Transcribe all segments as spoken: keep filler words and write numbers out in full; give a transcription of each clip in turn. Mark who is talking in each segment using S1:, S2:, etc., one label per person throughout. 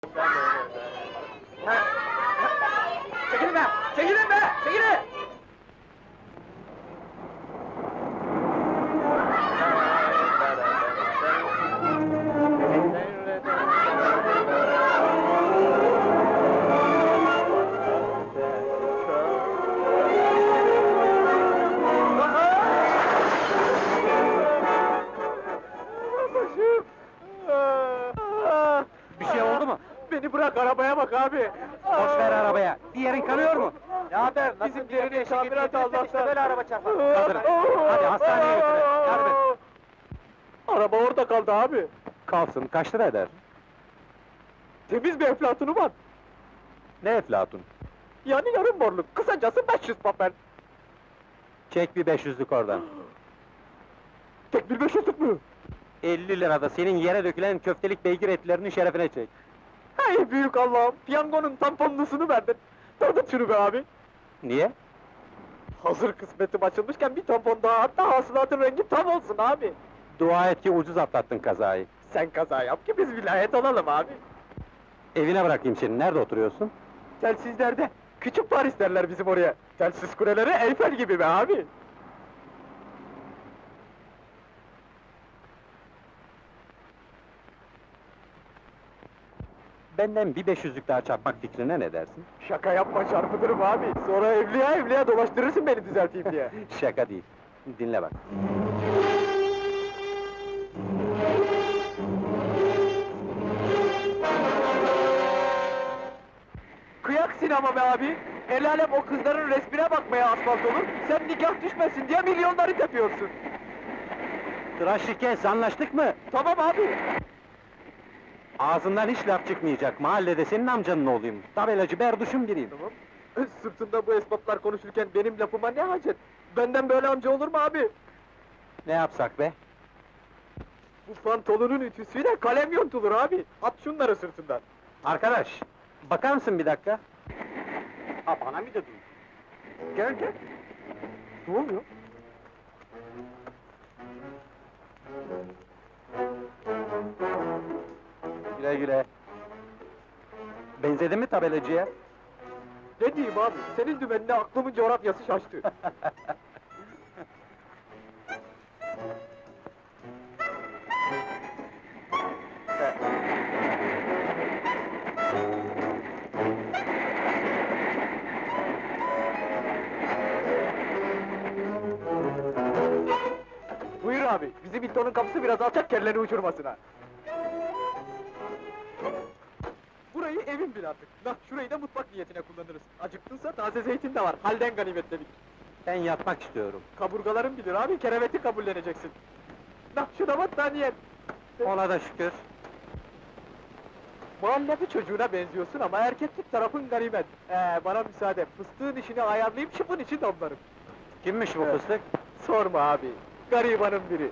S1: Çekilin be! Çekilin be! Çekilin!
S2: Bir şey oldu mu?
S1: Beni bırak, arabaya bak abi!
S2: Boş ver arabaya. Bir yerin kanıyor mu?
S1: Ne haber? Bizimkilerini tamirat Allah'tan!
S2: böyle araba çarpar. Kaldırın. Hadi hastaneye götürün. Yardım et.
S1: Araba orada kaldı abi!
S2: Kalsın. Kaç lira eder?
S1: Temiz bir eflatunu var!
S2: Ne eflatun?
S1: Yani yarım borluk, kısacası beş yüz papel!
S2: Çek bir beş yüzlük oradan.
S1: Tek bir beş yüzlük mü?
S2: elli lirada senin yere dökülen köftelik beygir etlerinin şerefine çek.
S1: Hey büyük Allah'ım! Piyangonun tamponlusunu verdin! Tadın şunu be abi!
S2: Niye?
S1: Hazır kısmetim açılmışken bir tampon daha, hatta hasılatın rengi tam olsun abi!
S2: Dua et ki ucuz atlattın kazayı.
S1: Sen kaza yap ki biz vilayet olalım abi!
S2: Evine bırakayım seni. Nerede oturuyorsun?
S1: Telsizlerde, küçük Paris derler bizim oraya! Telsiz kuleleri Eyfel gibi be abi!
S2: Benden bir beş yüzlük daha çarpmak fikrine ne dersin?
S1: Şaka yapma, çarpıtırım abi! Sonra evliya evliya dolaştırırsın beni düzelteyim diye!
S2: Şaka değil. Dinle bak.
S1: Kıyak sinema be abi! El alem o kızların resmine bakmaya asfalt olur, sen nikah düşmesin diye milyonları tepiyorsun!
S2: Tıraşı kes, anlaştık mı?
S1: Tamam abi!
S2: Ağzından hiç laf çıkmayacak. Mahallede senin amcanın oğluyum. Tabelacı berduşum biriyim.
S1: Tamam. Sırtında bu esbaplar konuşurken benim lafıma ne hacet? Benden böyle amca olur mu abi?
S2: Ne yapsak be?
S1: Bu pantolonun ütüsüyle kalem yontulur abi! At şunları sırtından!
S2: Arkadaş, bakar mısın bir dakika?
S1: Ha, bana mı dedin? Gel gel! Ne oluyor?
S2: Güle güle. Benzedin mi tabelacıya?
S1: Ne diyeyim abi, senin dümenine aklımın coğrafyası şaştı! Buyur abi, bizim Hilton'un kapısı biraz alçak, kelleri uçurmasına! Burayı evin bil artık! Nah, şurayı da mutfak niyetine kullanırız! Acıktınsa taze zeytin de var, halden ganimetle bilir!
S2: Ben yatmak istiyorum.
S1: Kaburgaların bilir abi, kereveti kabulleneceksin! Nah, şu da battaniyen!
S2: Ona da şükür.
S1: Muhallabi çocuğuna benziyorsun ama erkeklik tarafın ganimet! Ee, bana müsaade, fıstığın işini ayarlayıp şıpın için damlarım!
S2: Kimmiş bu
S1: Evet.
S2: fıstık?
S1: Sorma abi, garibanın biri!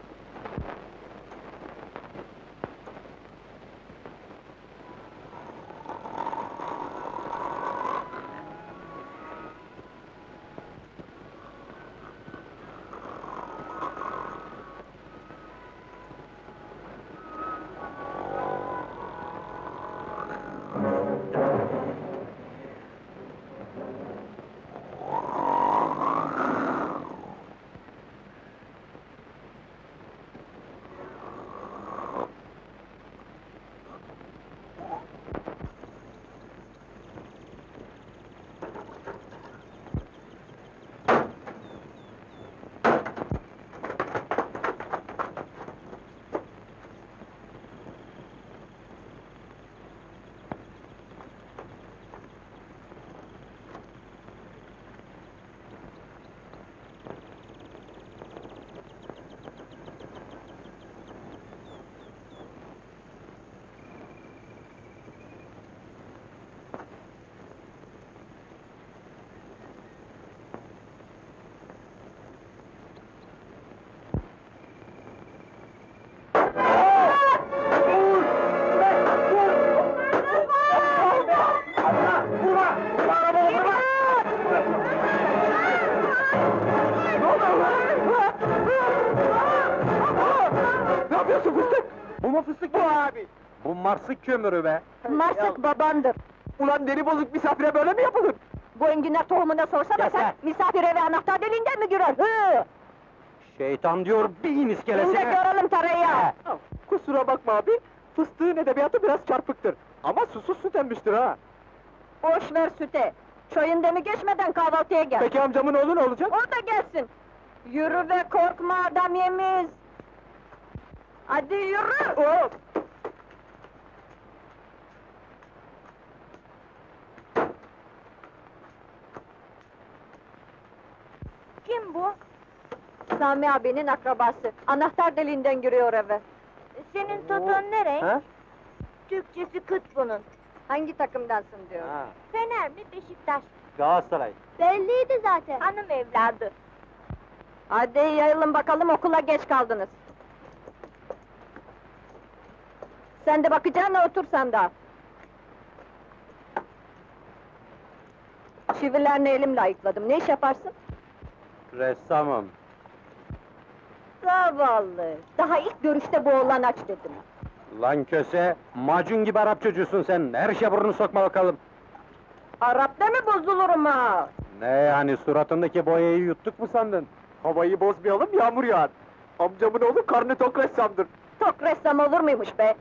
S2: Bu mu fıstık?
S1: Bu abi!
S2: Bu Marsık kömürü be!
S3: Marsık babandır.
S1: Ulan deli bozuk misafire böyle mi yapılır?
S3: Bu enginar tohumuna sorsana
S2: Yeter.
S3: sen, misafir eve anahtar deliğinden mi girer? Hı!
S2: Şeytan diyor, bin
S3: Şimdi
S2: iskelesine!
S3: görelim tereyağı!
S1: Kusura bakma abi, fıstığın edebiyatı biraz çarpıktır. Ama susuz süt emmiştir ha.
S3: Boş ver süte! Çayın demi geçmeden kahvaltıya gel!
S1: Peki amcamın oğlu ne olacak?
S3: O da gelsin! Yürü ve korkma adam yemiz! Hadi yürü!
S1: Hop!
S3: Kim bu? Sami abinin akrabası. Anahtar deliğinden giriyor eve. Senin
S2: toton
S3: nereye?
S2: Ha?
S3: Türkçesi kıt bunun. Hangi takımdansın diyor.
S2: Ha,
S3: Fener mi, Beşiktaş?
S2: Galatasaray.
S3: Belliydi zaten. Hanım evladı. Hadi yayılın bakalım, okula geç kaldınız. Sen de bakacağına otur sen de. Çivilerini elimle ayıkladım. Ne iş yaparsın?
S2: Ressamım.
S3: Zavallı. Daha ilk görüşte bu oğlan aç dedim.
S2: Lan köse, macun gibi Arap çocuğusun sen, her işe burnunu sokma bakalım!
S3: Arap'ta mı bozulurum ha?
S2: Ne yani, suratındaki boyayı yuttuk mu sandın?
S1: Havayı bozmayalım, yağmur yağar. Amcamın oğlu karnı tok ressamdır.
S3: Tok ressam olur muymuş be?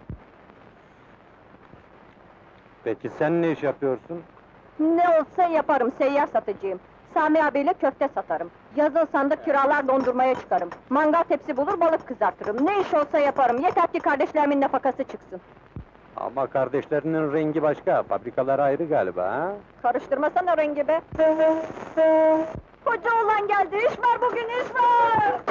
S2: Peki sen ne iş yapıyorsun?
S3: Ne olsa yaparım, seyyar satıcıyım. Sami abiyle köfte satarım. Yazın sandık kiralar dondurmaya çıkarım. Mangal tepsi bulur balık kızartırım. Ne iş olsa yaparım, yeter ki kardeşlerimin nafakası çıksın.
S2: Ama kardeşlerinin rengi başka, fabrikalar ayrı galiba ha?
S3: Karıştırmasana rengi be! Koca oğlan geldi, iş var bugün, iş var!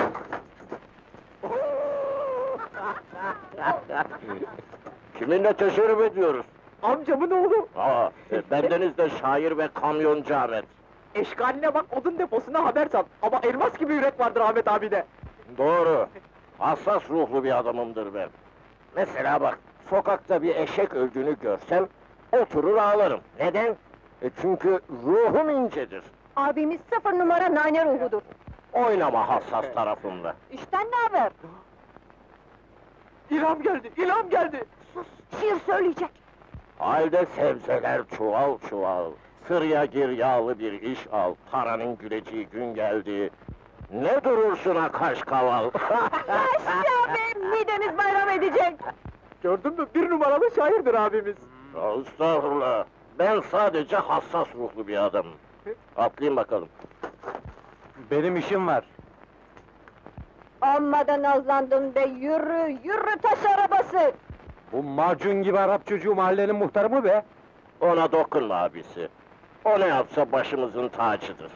S4: Kiminle teşerrüf ediyoruz?
S1: Amcamın oğlu.
S4: Aa, e, bendeniz de şair ve kamyoncu Ahmet.
S1: Eşkaline bak, odun deposuna haber sal. Ama elmas gibi yürek vardır Ahmet abide.
S4: Doğru. Hassas ruhlu bir adamımdır ben. Mesela bak, sokakta bir eşek öldüğünü görsem, oturur ağlarım. Neden? E çünkü ruhum incedir.
S3: Abimiz sıfır numara nane ruhudur.
S4: Oynama hassas tarafımla.
S3: İşten ne haber?
S1: İlham geldi, ilham geldi.
S3: Sus, şiir söyleyecek.
S4: Halde sebzeler çuval çuval. Sırya gir yağlı bir iş al. Paranın güleceği gün geldi. Ne durursun ha kaş kaval?
S3: Yaşa be, midemiz bayram edecek!
S1: Gördün mü, bir numaralı şairdir abimiz.
S4: Estağfurullah. Ben sadece hassas ruhlu bir adamım. Atlayın bakalım.
S2: Benim işim var.
S3: Amma da nazlandın be, yürü, yürü taş arabası!
S2: Bu macun gibi Arap çocuğu mahallenin muhtarı mı be?
S4: Ona dokunma abisi. O ne yapsa başımızın tacıdır.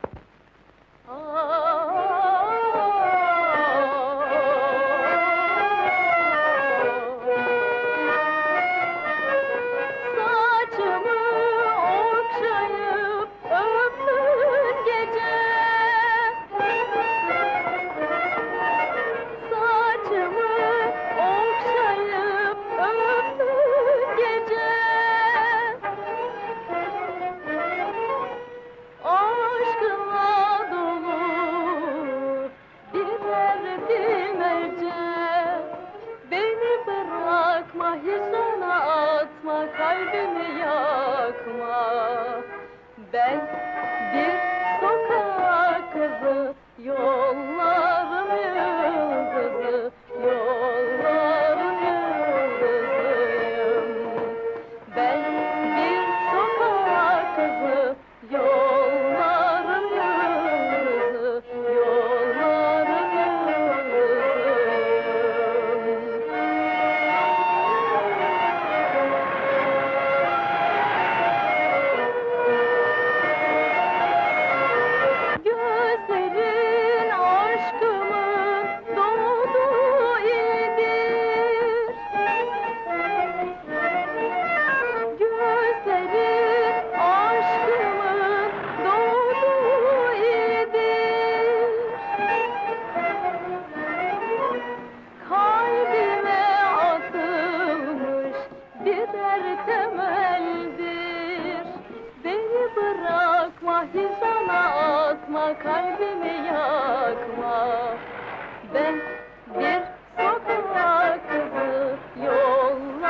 S3: Saçımı okşayıp öptün gece. Saçımı okşayıp öptün gece. Aşkınla dolu birer bilmece. Beni bırakma, hiç ona atma, kalbimi yakma. Ben bir sokak kızı, yolların yıldızı, yolların yıldızıyım. Ben bir sokak kızı, yolların yıldızı, yolların yıldızıyım. Gözlerin aşkımın doğduğu idir. Gözlerin aşkımın doğduğu idir. Kalbime atılmış birer temeldir. Beni bırakma, hiç ona atma, kalbimi yakma. Ben bir sokak kızı, yollar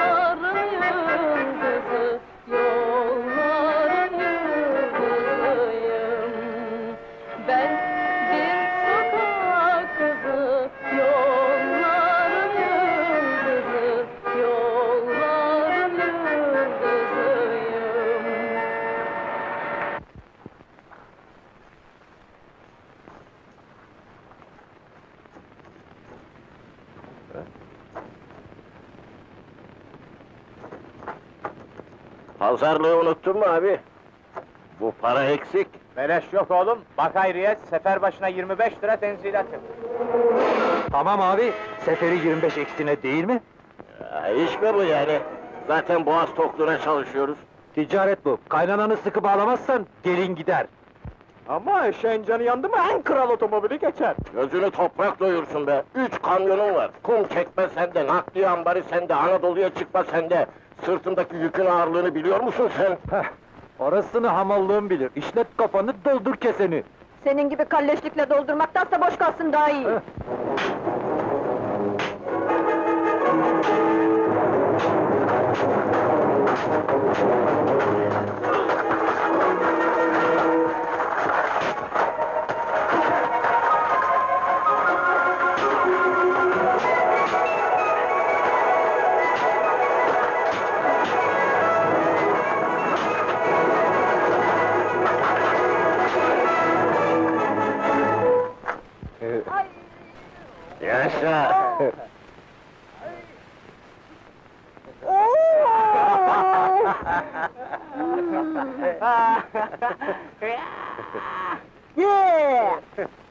S4: Pazarlığı unuttun mu abi? Bu para eksik.
S1: Beleş yok oğlum, bak hayriyet, sefer başına yirmi beş lira tenzilatı.
S2: Tamam abi, seferi yirmi beş eksine değil mi?
S4: Ya, iş mi bu yani? Zaten boğaz tokluğuna çalışıyoruz.
S2: Ticaret bu. Kaynananı sıkı bağlamazsan gelin gider.
S1: Ama eşeğin canı yandı mı en kral otomobili geçer.
S4: Gözünü toprak doyursun be. Üç kamyonun var. Kum çekme sende, nakliye ambarı sende, Anadolu'ya çıkma sende. Sırtındaki yükün ağırlığını biliyor musun sen?
S2: Heh, orasını hamallığım bilir. İşlet kafanı, doldur keseni.
S3: Senin gibi kalleşlikle doldurmaktansa boş kalsın daha iyi.
S2: Heh.
S4: Yaşa!
S3: Yeah!